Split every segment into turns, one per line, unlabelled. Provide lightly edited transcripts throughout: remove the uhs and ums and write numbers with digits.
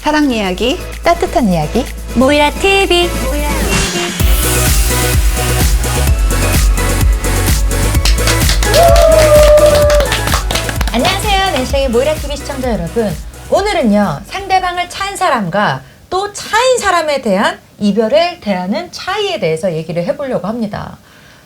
사랑 이야기,
따뜻한 이야기
모이라 TV. 안녕하세요, 낸시의 모이라 TV 시청자 여러분. 오늘은요, 상대방을 찬 사람과 또 차인 사람에 대한 이별을 대하는 차이에 대해서 얘기를 해보려고 합니다.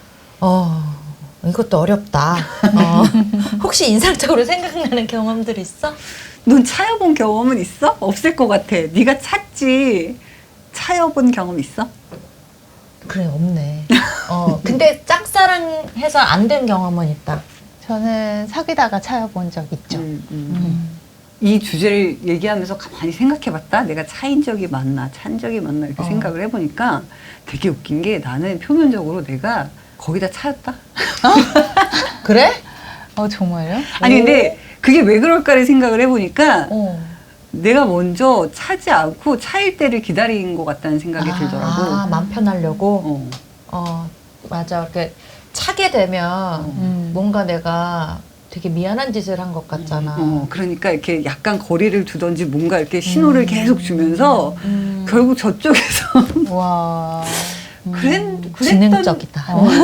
이것도 어렵다. 혹시 인상적으로 생각나는 경험들 있어?
넌 차여본 경험은 있어? 없을 것 같아. 네가 찼지. 차여본 경험 있어?
그래, 없네. 근데 짝사랑해서 안 된 경험은 있다.
저는 사귀다가 차여본 적 있죠.
이 주제를 얘기하면서 가만히 생각해봤다. 내가 차인 적이 많나, 찬 적이 많나 이렇게 생각을 해보니까 되게 웃긴 게 나는 표면적으로 내가 거기다 차였다.
그래?
정말요?
아니 근데 그게 왜 그럴까를 생각을 해보니까 내가 먼저 차지 않고 차일 때를 기다린 것 같다는 생각이 들더라고.
맘 편하려고? 맞아. 이렇게 차게 되면 뭔가 내가 되게 미안한 짓을 한 것 같잖아.
그러니까 이렇게 약간 거리를 두던지 뭔가 이렇게 신호를 계속 주면서 결국 저쪽에서
와.
그랬던
지능적이다.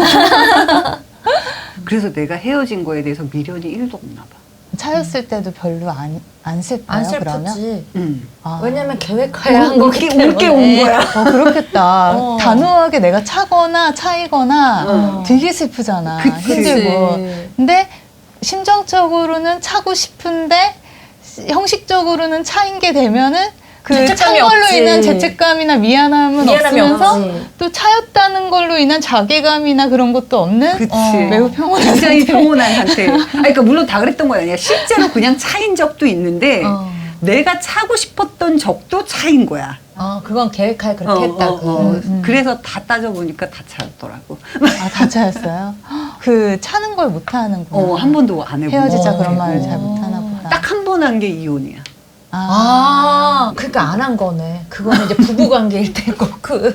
그래서 내가 헤어진 거에 대해서 미련이 1도 없나 봐.
차였을 때도 별로 안 슬퍼요,
안
그러면?
슬프지.
아.
왜냐면 계획하에 한 거기 때문에.
울게 온 거야.
그렇겠다. 단호하게 내가 차거나 차이거나 되게 슬프잖아.
그치.
힘들고. 근데 심정적으로는 차고 싶은데 형식적으로는 차인 게 되면은 그 찬
죄책감이
걸로
없지.
인한 죄책감이나 미안함이 없으면서
없지.
또 차였다는 걸로 인한 자괴감이나 그런 것도 없는
그치.
매우 평온한
굉장히
상태.
평온한 상태. 그러니까 물론 다 그랬던 건 아니야. 실제로 그냥 차인 적도 있는데 내가 차고 싶었던 적도 차인 거야.
그건 계획하에 그렇게 했다고.
그래서 다 따져보니까 다 차였더라고.
다 차였어요? 그 차는 걸 못하는구나.
한 번도 안 해보고.
헤어지자 그런 말을 잘 못하나 보다.
딱 한 번 한 게 이혼이야.
그러니까 안 한 거네. 그거는 이제 부부관계일 때고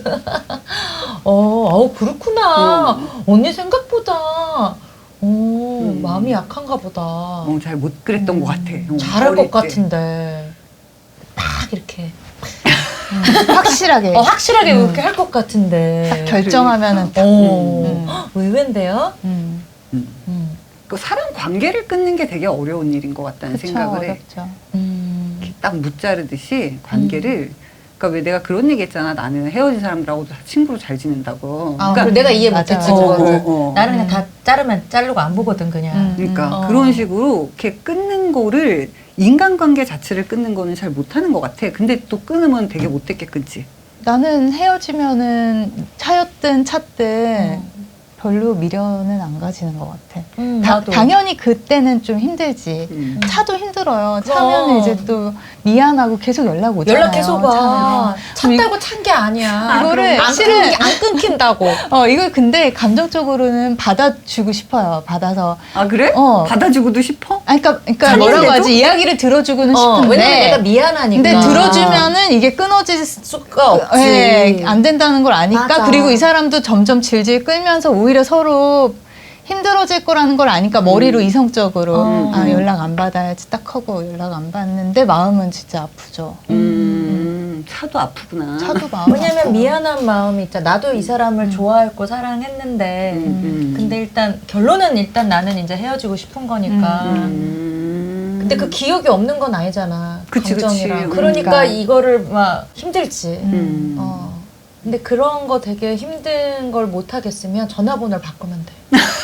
그렇구나. 언니 생각보다 마음이 약한가 보다.
잘 못 그랬던 것 같아.
잘할
어릴
것
때.
같은데 딱 이렇게
확실하게
확실하게 이렇게 할 것 같은데
결정하면은 딱.
의외인데요?
그 사람 관계를 끊는 게 되게 어려운 일인 것 같다는
그쵸,
생각을 해.
어렵죠.
이렇게 딱 무자르듯이 관계를. 그러니까 왜 내가 그런 얘기 했잖아. 나는 헤어진 사람들하고 다 친구로 잘 지낸다고.
그러니까 내가 이해
맞아,
못했지.
맞아.
그거는. 나는 그냥 다 자르면 자르고 안 보거든 그냥.
그러니까 그런 식으로 이렇게 끊는 거를 인간관계 자체를 끊는 거는 잘 못하는 것 같아. 근데 또 끊으면 되게 못됐게 끊지.
나는 헤어지면은 차였든 찼든 별로 미련은 안 가지는 것 같아.
나도.
당연히 그때는 좀 힘들지. 차도 힘들어요. 차면은 이제 또 미안하고 계속 연락 오잖아요.
연락해서 가.
차면.
찼다고 찬 게 아니야.
이거를
안 끊긴다고.
이걸 근데 감정적으로는 받아주고 싶어요. 받아서.
아 그래? 받아주고도 싶어?
그러니까
찬인데도?
뭐라고 하지? 이야기를 들어주고는 싶은데.
왜냐면 내가 미안하니까.
근데 들어주면은 이게 끊어질
수가 없지.
네, 안 된다는 걸 아니까.
맞아.
그리고 이 사람도 점점 질질 끌면서 오히려 서로 힘들어질 거라는 걸 아니까 머리로 이성적으로 연락 안 받아야지 딱 하고 연락 안 받는데 마음은 진짜 아프죠.
차도 아프구나.
차도 마음
왜냐면
아프고.
미안한 마음이 있잖아. 나도 이 사람을 좋아했고 사랑했는데 근데 일단 결론은 일단 나는 이제 헤어지고 싶은 거니까 근데 그 기억이 없는 건 아니잖아.
그치,
감정이랑.
그치.
그러니까 이거를 막 힘들지.
음.
근데 그런 거 되게 힘든 걸 못 하겠으면 전화번호를 바꾸면 돼.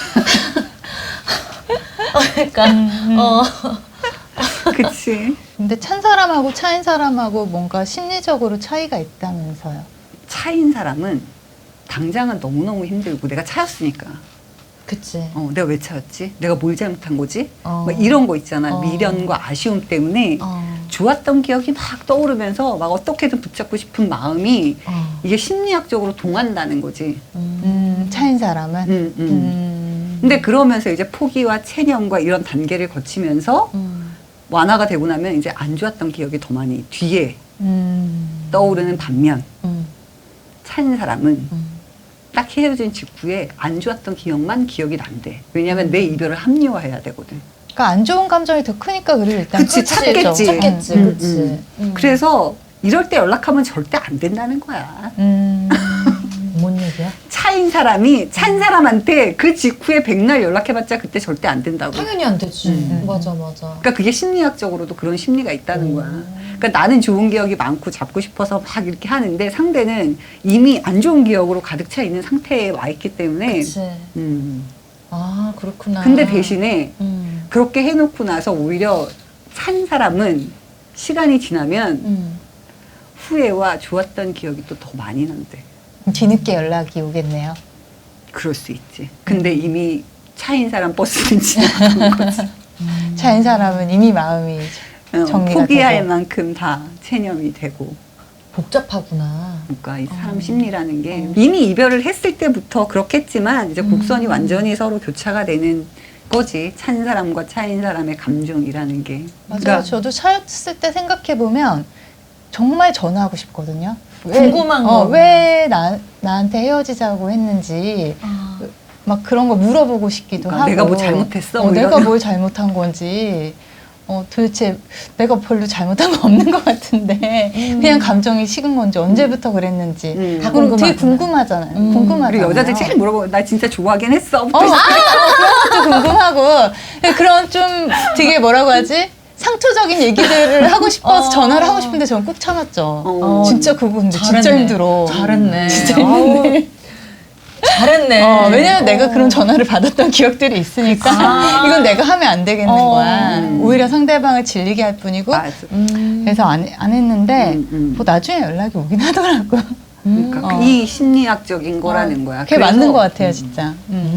그러니까
그치.
근데 찬 사람하고 차인 사람하고 뭔가 심리적으로 차이가 있다면서요.
차인 사람은 당장은 너무너무 힘들고 내가 차였으니까.
그치.
내가 왜 차였지? 내가 뭘 잘못한 거지?
어.
막 이런 거 있잖아. 미련과 아쉬움 때문에 좋았던 기억이 막 떠오르면서 막 어떻게든 붙잡고 싶은 마음이 이게 심리학적으로 동한다는 거지.
차인 사람은.
근데 그러면서 이제 포기와 체념과 이런 단계를 거치면서 완화가 되고 나면 이제 안 좋았던 기억이 더 많이 뒤에 떠오르는 반면 찬 사람은 딱 헤어진 직후에 안 좋았던 기억만 기억이 난대. 왜냐하면 내 이별을 합리화해야 되거든.
그러니까 안 좋은 감정이 더 크니까 그를 일단
그치, 찾겠지.
찾겠지, 그치.
그래서 이럴 때 연락하면 절대 안 된다는 거야.
뭔 얘기야?
차인 사람이 찬 사람한테 그 직후에 백날 연락해봤자 그때 절대 안 된다고.
당연히 안 되지. 맞아.
그러니까 그게 심리학적으로도 그런 심리가 있다는 거야. 그러니까 나는 좋은 기억이 많고 잡고 싶어서 막 이렇게 하는데 상대는 이미 안 좋은 기억으로 가득 차 있는 상태에 와 있기 때문에.
그치. 아, 그렇구나.
근데 대신에
음.
그렇게 해놓고 나서 오히려 찬 사람은 시간이 지나면 후회와 좋았던 기억이 또 더 많이 난대.
뒤늦게 연락이 오겠네요.
그럴 수 있지. 근데 이미 차인 사람 버스는 지나간 거지.
차인 사람은 이미 마음이 정리가
포기할
되고.
만큼 다 체념이 되고.
복잡하구나.
그러니까 이 사람 심리라는 게 이미 이별을 했을 때부터 그렇겠지만 이제 곡선이 완전히 서로 교차가 되는 거지. 찬 사람과 차인 사람의 감정이라는 게.
맞아요.
그러니까
저도 차였을 때 생각해 보면 정말 전화하고 싶거든요.
궁금한 거.
왜 나한테 헤어지자고 했는지
아.
막 그런 거 물어보고 싶기도
그러니까
하고.
내가 뭐 잘못했어? 뭐
내가
이런.
뭘 잘못한 건지. 도대체 내가 별로 잘못한 거 없는 것 같은데 그냥 감정이 식은 건지 언제부터 그랬는지
다
그런 거 되게
궁금하잖아요.
궁금하잖아요. 궁금하잖아요.
그리고 여자들 제일 물어보고 나 진짜 좋아하긴 했어.
그런 것도 궁금하고 그런 좀 되게 뭐라고 하지? 상투적인 얘기들을 하고 싶어서 전화를 하고 싶은데 저는 꾹 참았죠. 진짜 그거 근데 진짜
잘했네.
힘들어.
잘했네.
진짜 힘드네.
잘했네.
왜냐면 내가 그런 전화를 받았던 기억들이 있으니까 이건 내가 하면 안 되겠는 거야. 오히려 상대방을 질리게 할 뿐이고
맞아.
그래서 안 했는데 뭐 나중에 연락이 오긴 하더라고.
그러니까 이 심리학적인 거라는 거야.
그게 맞는 것 같아요, 진짜.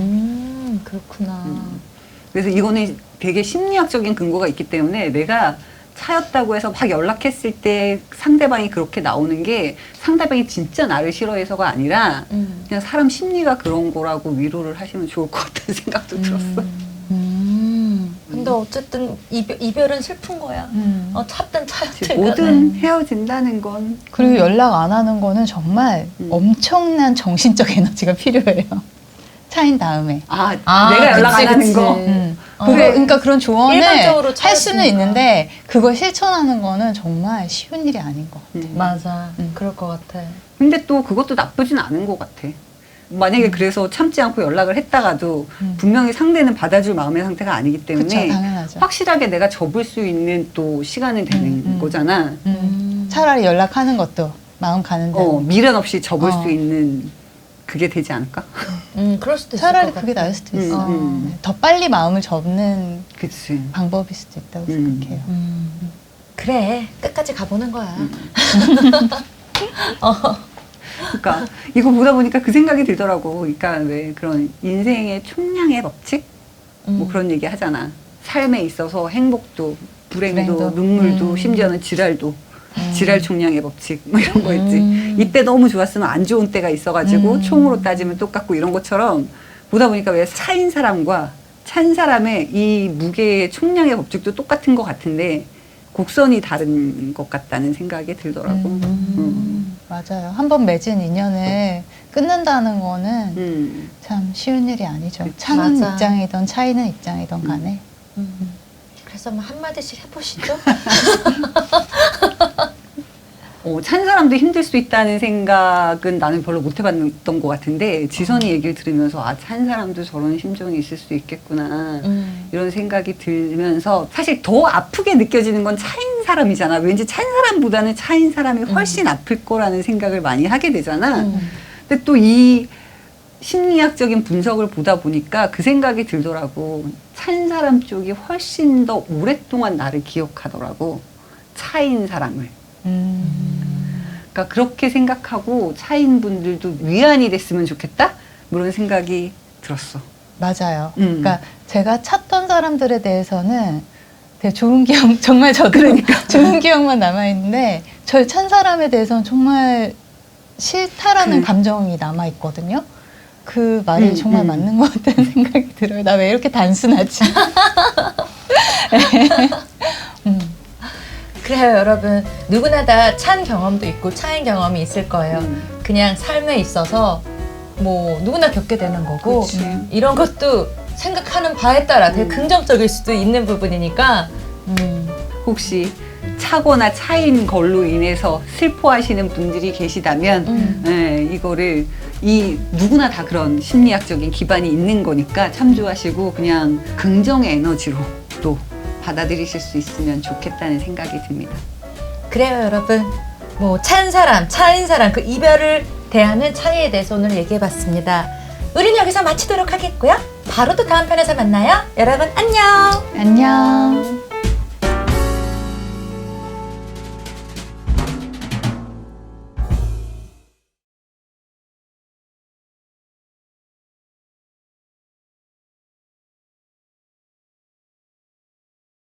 그렇구나.
그래서 이거는 되게 심리학적인 근거가 있기 때문에 내가 차였다고 해서 막 연락했을 때 상대방이 그렇게 나오는 게 상대방이 진짜 나를 싫어해서가 아니라 그냥 사람 심리가 그런 거라고 위로를 하시면 좋을 것 같다는 생각도 들었어.
근데 어쨌든 이별은 슬픈 거야. 찼든 차였든.
뭐든 헤어진다는 건
그리고 연락 안 하는 거는 정말 엄청난 정신적 에너지가 필요해요. 차인 다음에.
내가 연락 안 하는
그치.
거.
그러니까 그런 조언을
일반적으로
할 수는
차였으니까.
있는데 그걸 실천하는 거는 정말 쉬운 일이 아닌 것 같아요.
맞아. 그럴 것 같아.
근데 또 그것도 나쁘진 않은 것 같아. 만약에 그래서 참지 않고 연락을 했다가도 분명히 상대는 받아줄 마음의 상태가 아니기 때문에
그쵸, 당연하죠.
확실하게 내가 접을 수 있는 또 시간은 되는 거잖아.
차라리 연락하는 것도 마음 가는 대로.
미련 없이 접을 수 있는 그게 되지 않을까?
그럴 수도 있을
차라리
것 같아.
그게 나을 수도 있어.
음.
더 빨리 마음을 접는
그치.
방법일 수도 있다고 생각해요.
그래. 끝까지 가보는 거야.
그러니까 이거 보다 보니까 그 생각이 들더라고. 그러니까 왜 그런 인생의 총량의 법칙? 뭐 그런 얘기 하잖아. 삶에 있어서 행복도, 불행도, 눈물도, 심지어는 지랄도. 지랄 총량의 법칙 뭐 이런 거 있지. 이때 너무 좋았으면 안 좋은 때가 있어가지고 총으로 따지면 똑같고 이런 것처럼 보다 보니까 왜 차인 사람과 찬 사람의 이 무게의 총량의 법칙도 똑같은 것 같은데 곡선이 다른 것 같다는 생각이 들더라고.
맞아요. 한번 맺은 인연을 끊는다는 거는 참 쉬운 일이 아니죠. 차는
맞아.
입장이든 차이는 입장이든 간에.
그래서 뭐 한마디씩 해보시죠.
찬 사람도 힘들 수 있다는 생각은 나는 별로 못 해봤던 것 같은데 지선이 얘기를 들으면서 찬 사람도 저런 심정이 있을 수 있겠구나 이런 생각이 들면서 사실 더 아프게 느껴지는 건 차인 사람이잖아. 왠지 찬 사람보다는 차인 사람이 훨씬 아플 거라는 생각을 많이 하게 되잖아. 근데 또 이 심리학적인 분석을 보다 보니까 그 생각이 들더라고. 찬 사람 쪽이 훨씬 더 오랫동안 나를 기억하더라고. 차인 사람을. 그러니까 그렇게 생각하고 차인 분들도 위안이 됐으면 좋겠다? 뭐 이런 생각이 들었어.
맞아요. 그러니까 제가 찾던 사람들에 대해서는 되게 좋은 기억, 정말 저도 좋은 기억만 남아있는데 저를 찬 사람에 대해서는 정말 싫다라는 감정이 남아있거든요. 그 말이 정말 맞는 것 같다는 생각이 들어요. 나 왜 이렇게 단순하지?
그래요, 여러분. 누구나 다 찬 경험도 있고 차인 경험이 있을 거예요. 그냥 삶에 있어서 뭐 누구나 겪게 되는 거고 이런 것도 생각하는 바에 따라 되게 긍정적일 수도 있는 부분이니까
혹시 차거나 차인 걸로 인해서 슬퍼하시는 분들이 계시다면 이거를 누구나 다 그런 심리학적인 기반이 있는 거니까 참조하시고 그냥 긍정의 에너지로 또 받아들이실 수 있으면 좋겠다는 생각이 듭니다.
그래요, 여러분. 뭐 찬 사람, 차인 사람 그 이별을 대하는 차이에 대해서 오늘 얘기해봤습니다. 우리는 여기서 마치도록 하겠고요. 바로 또 다음 편에서 만나요. 여러분 안녕.
안녕.